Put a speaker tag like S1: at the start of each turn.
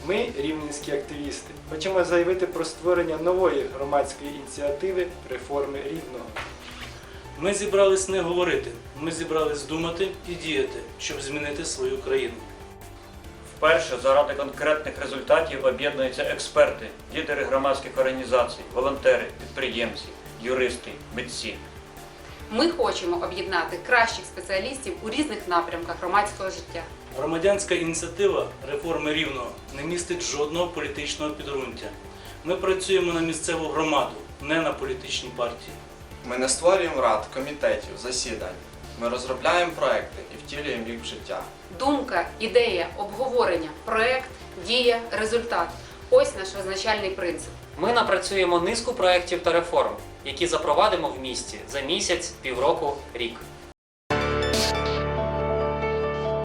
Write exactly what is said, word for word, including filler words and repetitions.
S1: Ми, рівненські активісти, хочемо заявити про створення нової громадської ініціативи реформи Рівного.
S2: Ми зібрались не говорити, ми зібрались думати і діяти, щоб змінити свою країну.
S3: Вперше заради конкретних результатів об'єднуються експерти, лідери громадських організацій, волонтери, підприємці, юристи, митці.
S4: Ми хочемо об'єднати кращих спеціалістів у різних напрямках громадського життя.
S2: Громадянська ініціатива реформи Рівного не містить жодного політичного підґрунтя. Ми працюємо на місцеву громаду, не на політичні партії.
S5: Ми не створюємо рад, комітетів, засідань. Ми розробляємо проекти і втілюємо їх в життя.
S4: Думка, ідея, обговорення, проект, дія, результат – ось наш визначальний принцип.
S6: Ми напрацюємо низку проєктів та реформ, які запровадимо в місті за місяць, півроку, рік.